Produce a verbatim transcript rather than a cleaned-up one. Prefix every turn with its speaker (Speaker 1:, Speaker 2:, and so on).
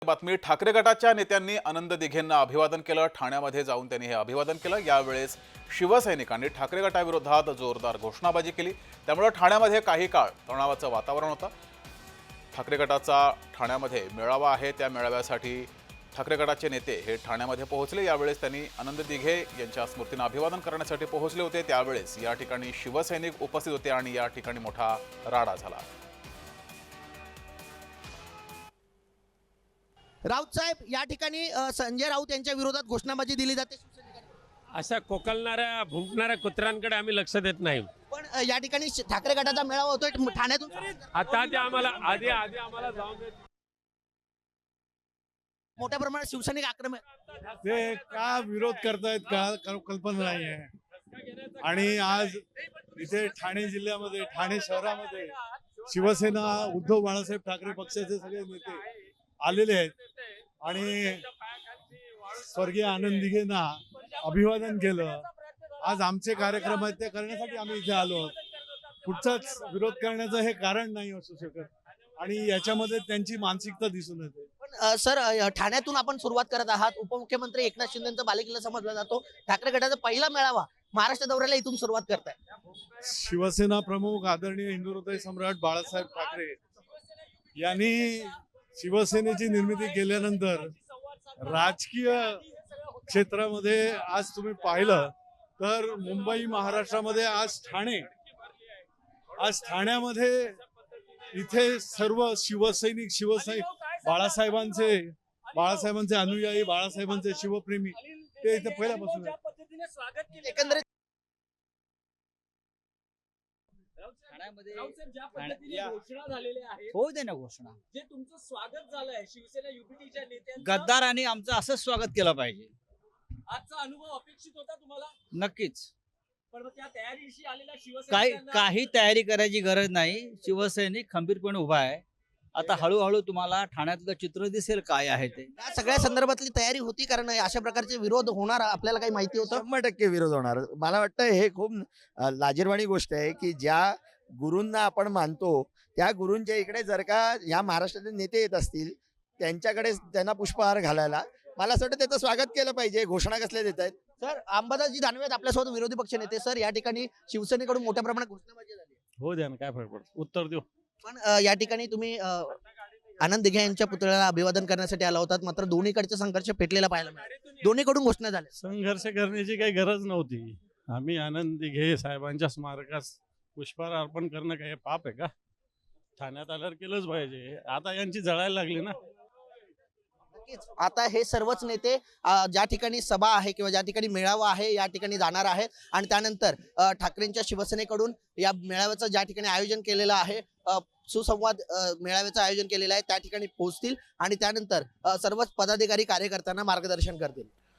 Speaker 1: बातमी ठाकरे गटाच्या नेत्यांनी आनंद दिघेंना अभिवादन केलं। ठाण्यामध्ये जाऊन त्यांनी हे अभिवादन केलं। यावेळेस शिवसैनिकांनी ठाकरे गटाविरोधात जोरदार घोषणाबाजी केली। त्यामुळे ठाण्यामध्ये काही काळ तणावाचं वातावरण होतं। ठाकरे गटाचा ठाण्यामध्ये मेळावा आहे, त्या मेळाव्यासाठी ठाकरे गटाचे नेते हे ठाण्यामध्ये पोहोचले। यावेळेस त्यांनी आनंद दिघे यांच्या स्मृतींना अभिवादन करण्यासाठी पोहोचले होते। त्यावेळेस या ठिकाणी शिवसैनिक उपस्थित होते आणि या ठिकाणी मोठा राडा झाला।
Speaker 2: राऊत साहेब, या ठिकाणी अ, संजय राऊत यांच्या विरोधात घोषणाबाजी दिली जाते शिवसैनिकांनी।
Speaker 3: अशा कोकलणाऱ्या भुंकणाऱ्या कुत्र्यांकडे आम्ही लक्ष देत नाही।
Speaker 2: पण अ, या ठिकाणी श- ठाकरे गटाचा मेळावा होतोय ठाण्यातून।
Speaker 3: आता ते आम्हाला आधी आधी आम्हाला जाऊन देत
Speaker 2: मोठ्या प्रमाणात शिवसैनिक आक्रमक
Speaker 4: ते का विरोध करतायत का कल- कल्पना नाही आहे। आणि आज इथे ठाणे जिल्ह्यामध्ये ठाणे शहरामध्ये शिवसेना उद्धव बाळासाहेब ठाकरे पक्षाचे सगळे नेते आलेले आहेत आणि स्वर्गीय आनंद दिघेंना अभिवादन केलं। आज आमचे कार्यक्रम आहेत ते करण्यासाठी आम्ही इथे आलो आहोत। कुठचाच विरोध करण्याचं हे कारण नाही असू शकत आणि याच्यामध्ये त्यांची मानसिकता दिसून येते।
Speaker 2: पण अ, सर अ, ठाण्यातून आपण सुरुवात करत आहात। उपमुख्यमंत्री एकनाथ शिंदेचा बालेकिल्ला समजला जातो। ठाकरे गटाचा पहिला मेळावा महाराष्ट्र दौऱ्याला इथून सुरुवात करताय।
Speaker 4: शिवसेना प्रमुख आदरणीय हिंदुहृदय सम्राट बाळासाहेब ठाकरे यांनी शिवसेनेची निर्मिती केल्यानंतर राजकीय क्षेत्रामध्ये आज तुम्ही पाहिलं तर मुंबई महाराष्ट्रामध्ये आज ठाणे आज ठाण्यामध्ये इथे सर्व शिवसैनिक शिवसैनिक बाळासाहेबांचे बाळासाहेबांचे अनुयायी बाळासाहेबांचे शिवप्रेमी ते इथे पहिल्यापासून आहेत।
Speaker 2: एकंदरीत
Speaker 5: ठाण्यामध्ये
Speaker 6: ज्या पद्धतीने घोषणा झालेल्या आहेत,
Speaker 5: होऊ दे ना घोषणा.
Speaker 6: जे तुमचं स्वागत झालंय शिवसेना युपीटीच्या नेत्यांचं,
Speaker 5: गद्दारांनी आमचं असंच स्वागत केलं पाहिजे.
Speaker 6: आजचा अनुभव अपेक्षित होता तुम्हाला?
Speaker 5: नक्कीच.
Speaker 6: पण मग त्या तयारीशी आलेल्या
Speaker 5: काही
Speaker 6: शिवसैनिकांना
Speaker 5: काही तयारी करायची गरज नाही. शिवसैनिक खंबीरपणे उभा आहे. आता हळूहळू तुम्हाला ठाण्यातलं चित्र दिसेल काय आहे ते.
Speaker 2: या सगळ्या संदर्भातली तयारी होती, कारण अशा प्रकारचे विरोध होणार आपल्याला काही माहिती होतं?
Speaker 7: शंभर टक्के विरोध होणार। मला वाटतं हे खूप अ, लाजिरवाणी गोष्ट आहे की ज्या गुरूंना आपण मानतो त्या गुरूंच्या इकडे जर का या महाराष्ट्राचे नेते येत असतील त्यांच्याकडे त्यांना पुष्पहार घालायला मला असं वाटतं त्याचं स्वागत केलं पाहिजे। घोषणा कसल्या देत आहेत?
Speaker 2: सर, अंबादासजी दानवे आहेत आपल्यासोबत, विरोधी पक्ष नेते। सर, या ठिकाणी शिवसेनेकडून मोठ्या प्रमाणात घोषणाबाजी झाली।
Speaker 3: हो द्या ना, काय फरक पडतो, उत्तर देऊ।
Speaker 2: पण अ, या ठिकाणी तुम्ही अ, आनंद दिघे यांच्या पुतळ्याला अभिवादन करण्यासाठी आला होतात, मात्र दोन्हीकडचे संघर्ष पेटलेला पाहायला मिळाला। दोन्हीकडून घोषणा झाल्या।
Speaker 3: संघर्ष करण्याची काही गरज नव्हती। आम्ही आनंद दिघे साहेबांच्या स्मारकास पुष्पहार अर्पण करणं काही पाप आहे का? ठाण्यात आल्यावर केलंच पाहिजे। आता यांची जळायला लागली ना।
Speaker 2: नक्कीच. आता हे सर्वच नेते अ, ज्या ठिकाणी सभा आहे किंवा ज्या ठिकाणी मेळावा आहे या ठिकाणी जाणार आहेत आणि त्यानंतर अ, ठाकरेंच्या शिवसेनेकडून या मेळाव्याचं ज्या ठिकाणी आयोजन केलेलं आहे, अ, सुसंवाद अ, मेळाव्याचं आयोजन केलेलं आहे, त्या ठिकाणी पोहोचतील आणि त्यानंतर अ, सर्वच पदाधिकारी कार्यकर्त्यांना मार्गदर्शन करतील।